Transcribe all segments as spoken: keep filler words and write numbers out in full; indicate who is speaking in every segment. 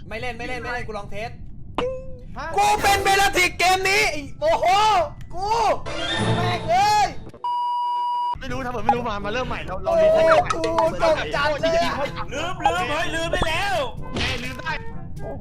Speaker 1: ไม่เล่นไม่เล่นไม่เล่นกูลองเทสกูเป็นเบลติกเกมนี้โอ้โหกูแม่งเลย
Speaker 2: ไม่รู้ทำเหมือนไม่รู้มามาเริ่มใหม่เราเรา
Speaker 1: โอ้
Speaker 2: เรียน
Speaker 1: โห
Speaker 2: ใหม่
Speaker 1: กูตกใจเลย
Speaker 3: ลืมลืมเฮ้ยลืมไปแล้ว
Speaker 2: เอ้ลืมได้โอ้โห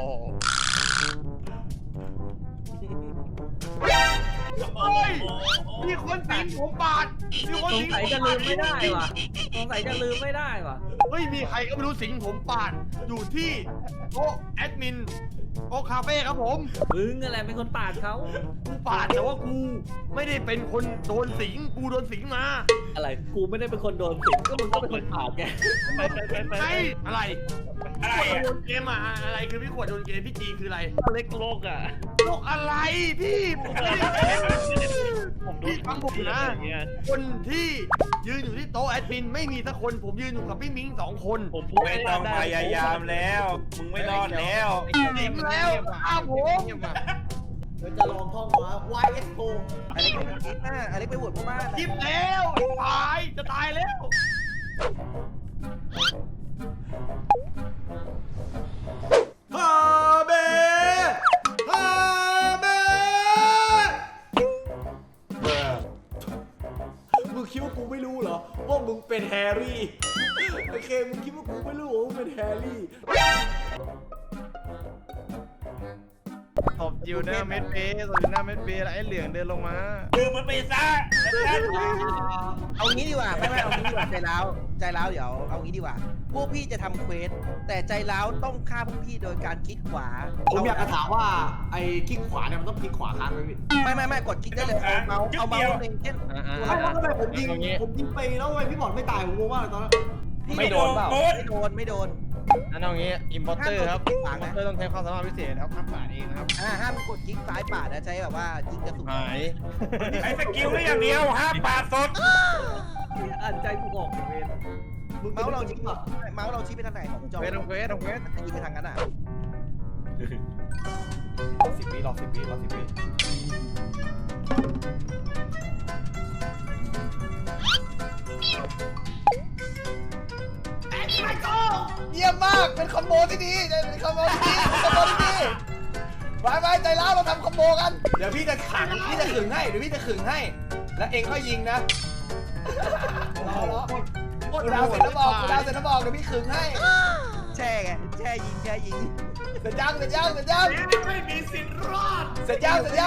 Speaker 2: มีคนสิงผมบาดมีคน
Speaker 4: สง
Speaker 2: สิง
Speaker 4: สัยจะลืมไม่ได้ว่ะสงสัยจะลืมไม่ได้ว่ะ
Speaker 2: เฮ้ยมีใครก็ไม่รู้สิงผมปาดอยู่ที่โต๊ะแอดมินโต๊ะคาเฟ่ครับผม
Speaker 4: มึงอะไรเป็นคนปาดเขา
Speaker 2: กูปาดแต่ว่ากูไม่ได้เป็นคนโดนสิงกูโดนสิงมา
Speaker 4: อะไรกูไม่ได้เป็นคนโดนสิงก็มึงก็เป็นคนปาดไง
Speaker 2: ไอ้อะไร
Speaker 3: อะไร
Speaker 2: ขวด
Speaker 3: อ่ะ
Speaker 2: โดนเกมอะอะไรคือพี่ขวดโดนเกมพี่จีคืออะไร
Speaker 4: เล็กโลกอ่ะ
Speaker 2: โรคอะไรพี่ผมไม่ได้ผมพี่ฟังผมนะคนที่ยืนอยู่ที่โต๊ะแอดมินไม่มีสักคนผมยืนอยู่กับพี่มิ้งสองคนผมพูด
Speaker 3: ไม่ต้องพยายามแล้วมึงไม่รอดแล้ว
Speaker 2: สิงแล้วอ้าวผม
Speaker 5: เราจะลองท่องว่า วาย เอส โอ อเล็กไปคิดหน้าอเล็กไปโหวตพวกบ้าน
Speaker 2: คิดแล้วตายจะตายแล้ว
Speaker 1: ฮาเบฮาเบมึงคิดว่ากูไม่รู้เหรอว่ามึงเป็นแฮร์รี่โอเคมึงคิดว่ากูไม่รู้ว่ามึงเป็นแฮร์รี่
Speaker 2: ตบอยู่หน้าเม็ดเบสตบอยู่หน้าเม็ดเบสแล้วไอ้เหลืองเดินลงมา
Speaker 3: ลืมมันไปซะนะครับ
Speaker 5: เอางี้ดีกว่าไม่ไม่เอางี้ดีกว่าใจร้าวใจร้าวเดี๋ยวเอางี้ดีกว่าพวกพี่จะทำเควสแต่ใจร้าวต้องฆ่าพวกพี่โดยการคลิกขวา
Speaker 6: ผมอยากจะถามว่าไอ้คลิกขวาเนี่ยมันต้องคลิกขวาค้างไหมพี่
Speaker 5: ไม่ไม่ไม่กดคลิกได้เลยเอาเมาส์เอาเมาส์เองเช่น
Speaker 6: ไม่แล้วทำไมผมยิงผมยิงไปแล้วทำไมพี่บอลไม่ตายผมงงมากเลยตอนนั้น
Speaker 1: ไม่โดนเปล่า
Speaker 5: ไม่โดนไม่โดน
Speaker 2: นั่นเอางี้อิมพอร์เตอร์ครับ
Speaker 5: ห้ามกดคลิกขวานะ
Speaker 2: อิมพอร์เตอร์ต้องใช้ความสามารถพิเศษครับห้ามปาดเองนะครับ
Speaker 5: อ่าห้ามกดคลิกซ้ายปาดนะใช้แบบว่ายิงกระสุน
Speaker 2: หาย
Speaker 3: ไอ้สกิลนี่อย่างเดียวห้ามปาดสด
Speaker 4: อ่านใจกูออกเวร
Speaker 5: เมาส์เราชี้เมาส์เราชี้ไปทางไหนของจอ
Speaker 2: เควสต้องเควสต้องเควส
Speaker 5: ยิงไปทางนั้นอ่ะ
Speaker 1: สิบวิรอสิบวิรอสิบวิเยี่ยมมากเป็นคอมโบที่ดีเป็นคอมโบที่ดีคอมโบที่ดีไปไปใจร้าวเราทำคอมโบกันเดี๋ยวพี่จะขังพี่จะขึงให้เดี๋ยวพี่จะขึงให้แล้วเองก็ยิงนะรอรอกูดาวเสร็จแล้วบอกกูดาวเสร็จแล้วบอกเดี๋ยวพี่ขึงให้
Speaker 5: แช่ไงแช่ยิงแช่ยิง
Speaker 1: เสร็จยังเสร็จยังเสร็จยัง
Speaker 2: ไม่มีสิทธิ์รอด
Speaker 1: เสร็จยังเสร็จยัง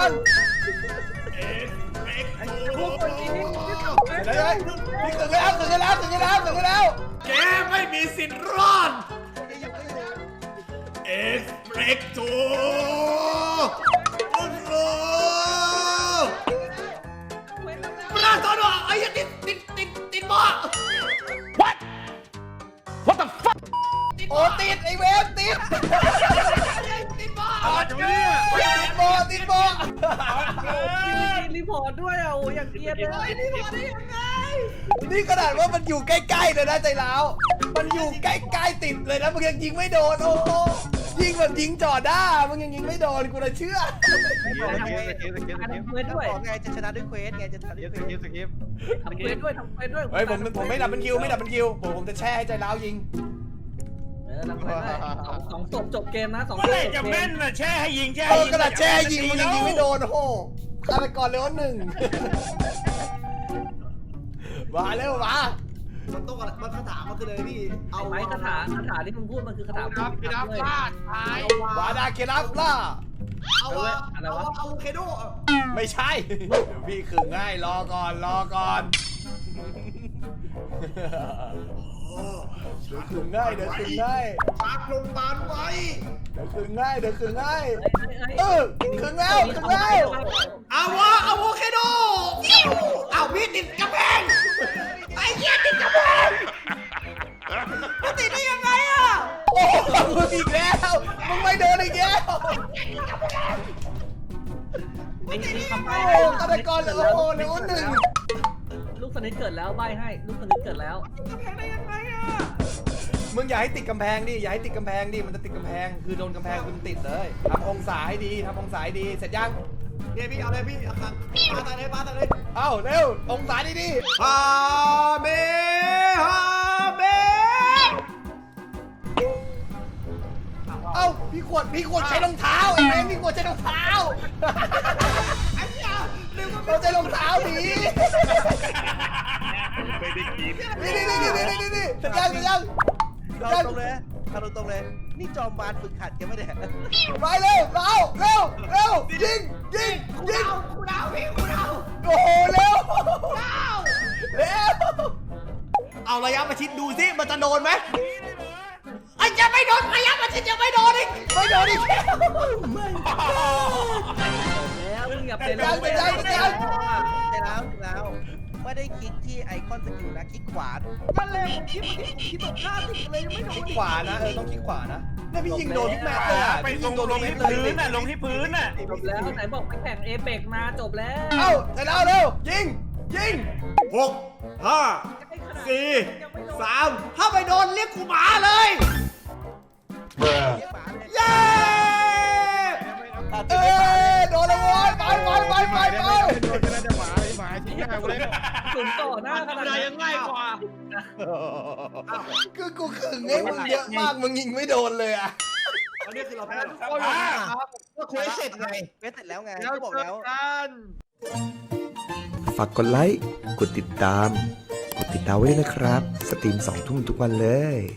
Speaker 4: พวกคนนี้
Speaker 1: เสร็จแล้วพี่ขึงให้แล้วขึงให้แล้วขึงให้แล้วขึงให้แล้ว
Speaker 2: แกไม่มีสิทธิ์รอดเอ็กซ์เบรกโตโอ้โหปราตอนอ่ะไอ้ยันติดติดติดติดบ่
Speaker 1: What What the fuck โอ้ติดไอเวฟติด
Speaker 2: ติดบ่อยู่เนี่ย
Speaker 1: ติดโบติดโบ
Speaker 4: รีพอร์ตด้วยอ่ะโอ้ยอย่างเกลียดเลย
Speaker 1: นี่ขนาดว่ามันอยู่ใกล้ๆเลยนะใจร้าวมันอยู่ใกล้ๆติดเลยนะมึงยังยิงไม่โดนโอ้โหยิงแบบยิงจ่อด้ามึงยังยิงไม่โดนกูเลยเชื่อ
Speaker 4: ทำเควสด้วย
Speaker 5: บอกไงจะชนะด้วยเควสไงจะชนะด้วยเควส
Speaker 2: สกิป
Speaker 4: ทำเควสด้วยทำเควสด้วย
Speaker 1: เฮ้ยผมผมไม่ดับเป็นคิวไม่ดับเป็นคิวผมผมจะแช่ให้ใจร้าวยิง
Speaker 4: เออทำเควสด้วยสองศพจบเกมนะสองศ
Speaker 3: เมื่อ
Speaker 4: พ
Speaker 3: ไหร่
Speaker 4: จ
Speaker 3: จะ
Speaker 4: บเก
Speaker 3: แม่
Speaker 4: ม
Speaker 3: นน่ะแช่ให้ยิงแช่
Speaker 1: เอ
Speaker 3: ให้
Speaker 1: อ
Speaker 3: ยิง
Speaker 1: กระดาษแช่ยิงมึงยังยิงไม่โดนโอ้โหฆาตกรเลยว่าหนึ่งมาเร็วมา
Speaker 6: มันต้องอะไรมันคาถามันคืออะไรพี่เอา
Speaker 4: ไม้คาถาคาถาที่มึงพูดมันคือคาถา
Speaker 2: ครับพี่ดับพลาดหายว
Speaker 1: าดาเคลับล่า
Speaker 6: เอาอะเอาเอาเคโด
Speaker 1: ไม่ใช่ เดี๋ยวพี่ขึงให้รอก่อนรอก่อนเดี๋ยวขึงง่ายเดี๋ยวขึงง่าย
Speaker 6: ปากลงบาลไว้
Speaker 1: เดี๋ยวขึงง่ายเดี๋ยวขึงง่ายเออขึงแล้วขึงแล้ว
Speaker 6: เอาวะเอาโวเคโดเอาพี่ติดกระแพงไอ้เหี้ยติดกระแพงมันติดได้ยังไงอะ
Speaker 1: โอ้มึงอีกแล้วมึงไม่โดนอีกแล้ว
Speaker 4: มีมีคำ
Speaker 1: โอ้
Speaker 4: ใบ้
Speaker 1: ฆาตกรเหลือโอ้โหเหลือหนึ่ง
Speaker 4: ลูกสนิทเกิดแล้วใบให้ลูกสนิทเกิดแล้ว
Speaker 6: กระแพงได้ยังไงอะ
Speaker 1: มึงอย่าให้ติดกำแพงดิอย่าให้ติดกำแพงดิมันจะติดกำแพงคือโดนกำแพงคุณติดเลยทำองศาให้ดีทำองศาให้ดีเสร็จยัง
Speaker 6: เนี่ยพี่เอาเลยพี่เอาปาตายเลยปาตายเลย
Speaker 1: เอ้าเร็วองศาดีดี
Speaker 6: ฮาเบฮาเบ
Speaker 1: เอ้าควรพี่ควรใช้รองเท้าเองพี่ควรใช้รองเท้า
Speaker 6: ไอ้เหี้ยลืมว่า
Speaker 1: เราใช้รองเท้าหนี
Speaker 3: ไม่ได้กิน
Speaker 1: นี่นี่นี่นี่นี่นี่สัญญาณสัญญาณ
Speaker 5: เราตรงเลยเราตรงเลย นี่จอมมารฝึกหัดกันไม่ได้
Speaker 1: ไปเร็วเราเร็วเร็วยิงยิง
Speaker 6: กู
Speaker 1: ยิง
Speaker 6: เดากูเดาพี่กูเดา
Speaker 1: โอ้โหเร็ว
Speaker 6: เดา
Speaker 1: เร็ว
Speaker 6: เอาระยะประชิดดูสิมันจะโดนไหมไอ้ยังไม่โดนระยะประชิดยังไม่โดนอีก
Speaker 1: ไม่โดนอีกแล้ว
Speaker 4: แล้วมึงอย่าไป
Speaker 1: ยังยังยังยัง
Speaker 5: ใจแล้วแล้วไม่ได้คลิกที่ไอคอนสกิลนะคลิกขวา
Speaker 4: นั่นเลยผมคิดว่าคิดตรงข้ามติดเลยยังไม่โด
Speaker 1: คลิ
Speaker 4: น
Speaker 1: กขวานะเออต้องคลิกขวานะเนี่ยพี่ยิงโดนทุกแมตช์เลยอ่ะ
Speaker 3: ไป
Speaker 1: พี่
Speaker 3: ล
Speaker 1: ยิ
Speaker 3: ง
Speaker 1: งโดน
Speaker 3: ล
Speaker 1: ทุ
Speaker 3: ง
Speaker 1: กแมต
Speaker 3: ที่
Speaker 1: ช์เลย
Speaker 3: พื้นน่ะลงที่พื้นน่ะ
Speaker 4: จบแล้วไหนบอกไปแข่งเอเปกมาจบแล้ว
Speaker 1: เอ้าใจแล้วเร็วยิงยิง
Speaker 6: หกห้าสี่สามถ้าไปโดนเรียกกูหมาเลย
Speaker 5: เรียกหมาเลย
Speaker 6: เย้
Speaker 1: เอ้ยโดนแล้วโว้ยไปไปไปไปไป
Speaker 4: ถึงต่อหน้าขนาด
Speaker 2: อะไร
Speaker 4: นั้น
Speaker 2: ยังง่ายกว่า
Speaker 1: คือกูขึงไอ้มึงเยอะมากมึงยิงไม่โดนเลยอ่ะ
Speaker 2: อันนี้คือเราแพ้
Speaker 3: ก็อยู่ที่
Speaker 5: ก็เควสเสร็จไงเควสเสร็จแล้วไง
Speaker 2: แล้ว
Speaker 5: ก็บอก
Speaker 2: เจ
Speaker 5: แล้ว
Speaker 2: อกัน
Speaker 7: ฝากกดไลค์ กดติดตาม กดติดดาวไว้ด้วยนะครับ สตรีมสองทุ่มทุกวันเลย